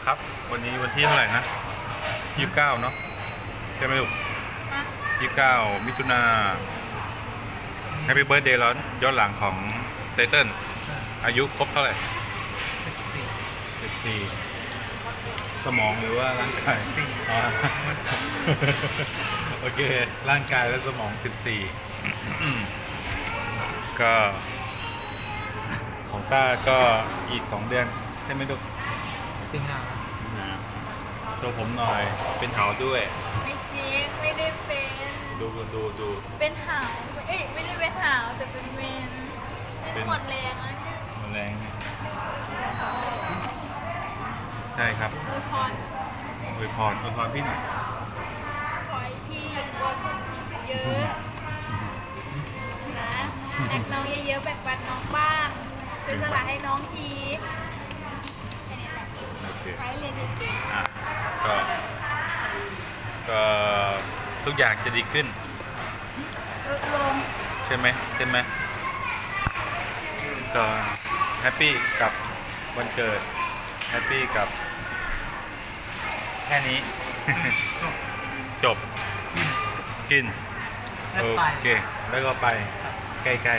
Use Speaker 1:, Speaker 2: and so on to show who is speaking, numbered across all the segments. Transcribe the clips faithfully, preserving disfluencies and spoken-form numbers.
Speaker 1: ครับ วันนี้วันที่เท่าไหร่นะยี่สิบเก้าเนาะใช่ไหมลูกยี่สิบเก้ามิถุนาแฮปปี้เบิร์ดเดย์แล้วย้อนหลังของไตเติ้ลอายุครบเท่าไหร่
Speaker 2: สิบสี่
Speaker 1: สิบสี่สมองหรือว่าร่างกาย
Speaker 2: สี่
Speaker 1: อ๋อโอเคร่างกายและสมองสิบสี่ก็ของต้าก็อีกสองเดือนใช่ไหมลูก
Speaker 2: สิงหา
Speaker 1: ตัวผมหน่อยเป็นเหาด้วย
Speaker 3: ไม่จริงไม่ได้เป็น
Speaker 1: ดูดูดู
Speaker 3: เป็นหาวเอ้ยไม่ได้เป็นหาวแต่เป็นเมนเป็นหมดแรงแล้วเนี่ย
Speaker 1: หมดแรงใช่ครับ
Speaker 3: อวยพร
Speaker 1: อวยพรอวยพรพี่หน่อย
Speaker 3: ขอให้พี่กวนเยอะนะแอกน้องเยอะๆแบ่งปันน้องบ้างเป็นสละให้น้องทีแค่นี้แหละ
Speaker 1: โอเค
Speaker 3: ไปเรียนเก่ง
Speaker 1: อ่ะก็ก็ทุกอย่างจะดีขึ้น
Speaker 3: ๆลดลง
Speaker 1: ใช่ไหมใช่ไหมก็แฮปปี้กับวันเกิดแฮปปี้กับแค่นี้ จบกินโอเคแล้วก็ไปไกล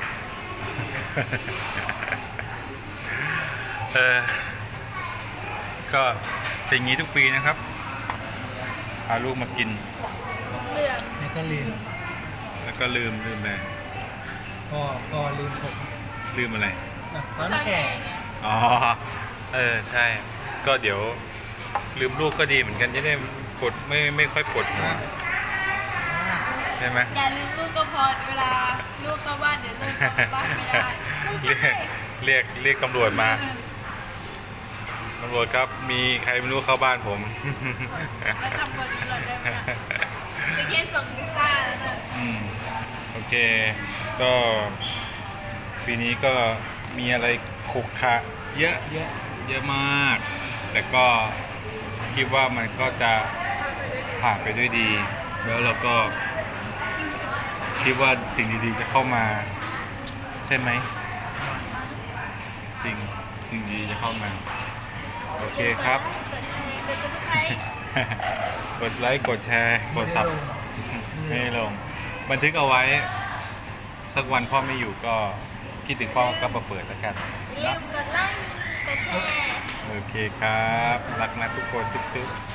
Speaker 1: ๆเออก็เป็นอย่างนี้ทุกปีนะครับพาลูกมากิน
Speaker 3: เรื่อง
Speaker 2: แล้วก็ลืม
Speaker 1: แล้วก็ลืมลืมอะไร
Speaker 2: ก็ก็ลืมผม
Speaker 1: ลืมอะไร
Speaker 2: อ่ะตอน
Speaker 3: ตอน
Speaker 2: แก่
Speaker 3: แก่เนี่ย
Speaker 1: อ๋อเออใช่ ก็เดี๋ยวลืมลูกก็ดีเหมือนกันจะได้ปวดไม่ไม่ค่อยปวดหัวใช่ไหม
Speaker 3: อย่าลืมลูกก็พอเวลาลูกเข้าบ้านเดี๋ยวลูกเข้าบ้านไม่ได้ลูก
Speaker 1: เรียกเรียกเรียกตำรวจมาตำรวจครับมีใครไม่รู้เข้าบ้านผม
Speaker 3: แล้วจำบทตำรวจได้ไหมนะไปเย็นส่งพิซซ่าแล้วนะ
Speaker 1: อืมโอเค ก็ปีนี้ก็มีอะไรขรุขระเยอะเยอะเยอะมาก แต่ก็คิดว่ามันก็จะผ่านไปด้วยดี แล้วเราก็คิดว่าสิ่งดีๆจะเข้ามา ใช่ไหมจริงสิ่งดีจะเข้ามาโอเคครับ
Speaker 3: กดไลค์กดซับสไครต์
Speaker 1: กดไลค์กดแชร์กดซับไม่ลงบันทึกเอาไว้ สักวันพ่อไม่อยู่ก็คิดถึงพ่อก็มาเปิดแล้วกัน
Speaker 3: อย่าลืมกดไลค์กดแชร์
Speaker 1: โอเคครับ รักนะทุกคนทุกๆ